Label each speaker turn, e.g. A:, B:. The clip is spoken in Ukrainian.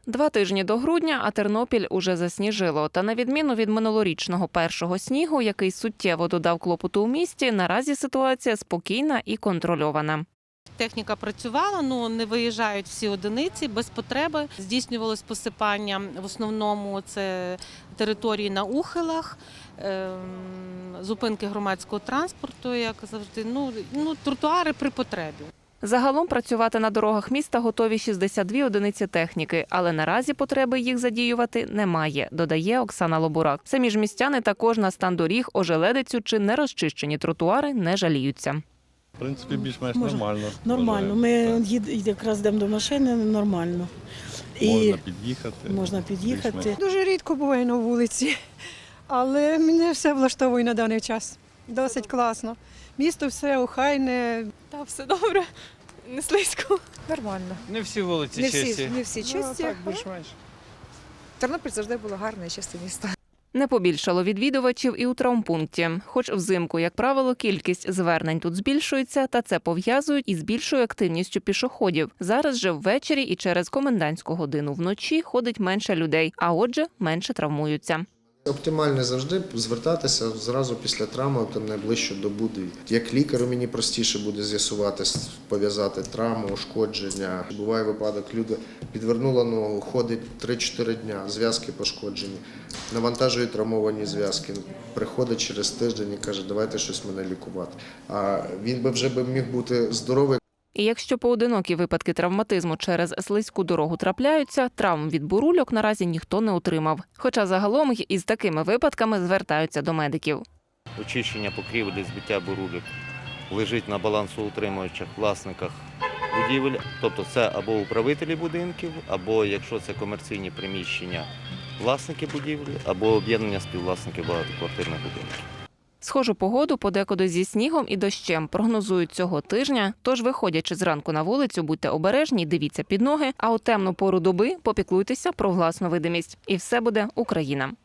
A: 2 тижні до грудня, а Тернопіль уже засніжило. Та на відміну від минулорічного першого снігу, який суттєво додав клопоту у місті, наразі ситуація спокійна і контрольована.
B: Техніка працювала, але не виїжджають всі одиниці без потреби. Здійснювалось посипання, в основному це території на ухилах, зупинки громадського транспорту, як завжди, тротуари при потребі.
A: Загалом працювати на дорогах міста готові 62 одиниці техніки, але наразі потреби їх задіювати немає, додає Оксана Лобурак. Самі ж містяни також на стан доріг, ожеледицю чи нерозчищені тротуари не жаліються.
C: В принципі, більш-менш нормально.
D: Нормально. Ми якраз йдемо до машини, нормально.
C: Можна під'їхати.
E: Дуже рідко буває на вулиці, але мене все влаштовує на даний час. Досить класно. Місто все охайне.
F: Та все добре, не слизько.
G: Нормально.
H: Не всі вулиці чисті.
G: Не всі чисті.
E: Так, більш-менш.
G: Тернопіль завжди було гарне і чисте місто.
A: Не побільшало відвідувачів і у травмпункті. Хоч взимку, як правило, кількість звернень тут збільшується, та це пов'язують із більшою активністю пішоходів. Зараз же ввечері і через комендантську годину вночі ходить менше людей, а отже, менше травмуються.
I: Оптимально завжди звертатися зразу після травми, там найближчу добу. Як лікарю мені простіше буде з'ясувати, пов'язати травму, ушкодження. Буває випадок, людина підвернула ногу, ходить 3-4 дня, зв'язки пошкоджені, навантажує травмовані зв'язки, приходить через тиждень і каже, давайте щось мене лікувати. А він би вже міг бути здоровий.
A: І якщо поодинокі випадки травматизму через слизьку дорогу трапляються, травм від бурульок наразі ніхто не отримав. Хоча загалом й із такими випадками звертаються до медиків.
H: Очищення покрівлі, збиття бурульок лежить на балансоутримуючих власниках будівель. Тобто це або управителі будинків, або, якщо це комерційні приміщення, власники будівлі, або об'єднання співвласників багатоквартирних будинків.
A: Схожу погоду подекуди зі снігом і дощем прогнозують цього тижня, тож, виходячи зранку на вулицю, будьте обережні, дивіться під ноги, а у темну пору доби попіклуйтеся про власну видимість. І все буде Україна.